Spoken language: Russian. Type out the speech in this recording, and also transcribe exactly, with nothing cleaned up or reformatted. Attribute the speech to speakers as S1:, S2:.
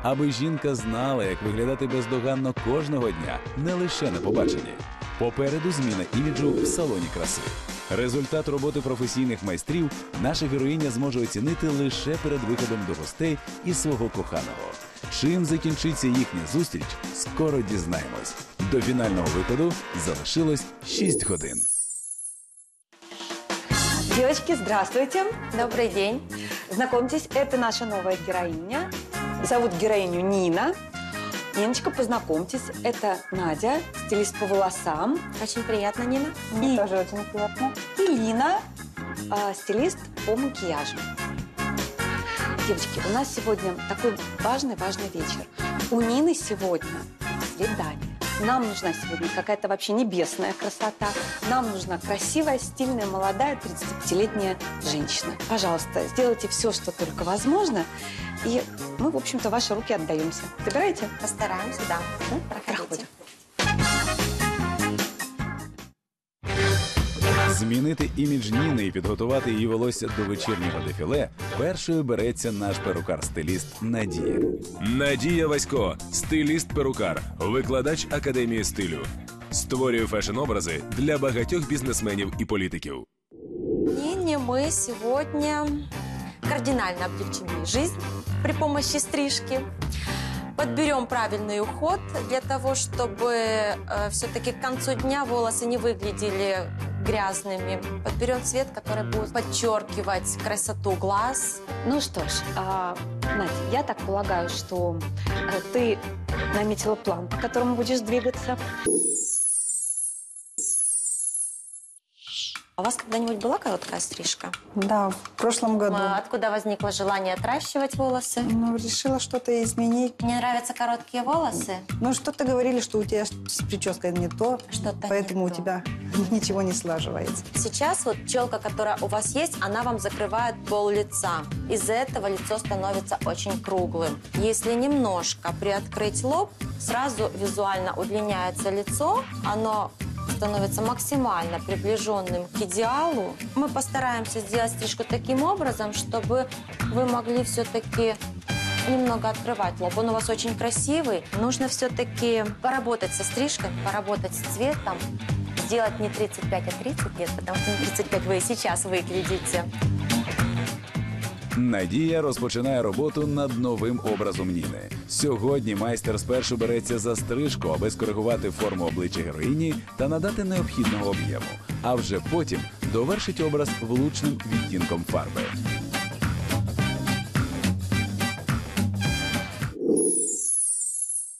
S1: аби жінка знала, як виглядати бездоганно кожного дня, не лише на побаченні. Попереду зміна іміджу в салоні краси. Результат роботи професійних майстрів наша героїня зможе оцінити лише перед виходом до гостей і свого коханого. Чим закінчиться їхня зустріч, скоро дізнаємось. До фінального виходу залишилось шість годин.
S2: Девочки, здравствуйте.
S3: Добрый день.
S2: Знакомьтесь, это наша новая героиня. Зовут героиню Нина. Ниночка, познакомьтесь, это Надя, стилист по волосам.
S3: Очень приятно, Нина.
S2: Мне и... тоже очень приятно. И Лина, э, стилист по макияжу. Девочки, у нас сегодня такой важный-важный вечер. У Нины сегодня свидание. Нам нужна сегодня какая-то вообще небесная красота. Нам нужна красивая, стильная, молодая, тридцатипятилетняя женщина. Пожалуйста, сделайте все, что только возможно. И мы, в общем-то, в ваши руки отдаемся. Выбираете?
S3: Постараемся, да.
S2: Ну, проходите.
S1: Змінити імідж Ніни і підготувати її волосся до вечірнього дефіле першою береться наш перукар-стиліст Надія.
S4: Надія Васько – стиліст-перукар, викладач Академії стилю. Створює фешн-образи для багатьох бізнесменів і політиків.
S3: Нине мы сегодня кардинально облегчим ей жизнь при помощи стрижки. Подберем правильный уход для того, чтобы э, все-таки к концу дня волосы не выглядели грязными. Подберем цвет, который будет подчеркивать красоту глаз.
S2: Ну что ж, а, Надя, я так полагаю, что а, ты наметила план, по которому будешь двигаться.
S3: А у вас когда-нибудь была короткая стрижка?
S5: Да, в прошлом году.
S3: А откуда возникло желание отращивать волосы?
S5: Ну, решила что-то изменить.
S3: Мне нравятся короткие волосы.
S5: Ну, что-то говорили, что у тебя с прической не то,
S3: Что-то
S5: поэтому
S3: не
S5: у
S3: то.
S5: тебя ничего не слаживается.
S3: Сейчас вот челка, которая у вас есть, она вам закрывает пол лица. Из-за этого лицо становится очень круглым. Если немножко приоткрыть лоб, сразу визуально удлиняется лицо, оно становится максимально приближенным к идеалу. Мы постараемся сделать стрижку таким образом, чтобы вы могли все-таки немного открывать лоб. Он у вас очень красивый. Нужно все-таки поработать со стрижкой, поработать с цветом. Сделать не тридцать пять, а тридцать лет, потому что на тридцать пять вы и сейчас выглядите.
S1: Надія розпочинає роботу над новим образом Ніни. Сьогодні майстер спершу береться за стрижку, аби скоригувати форму обличчя героїні та надати необхідного об'єму. А вже потім довершить образ влучним відтінком фарби.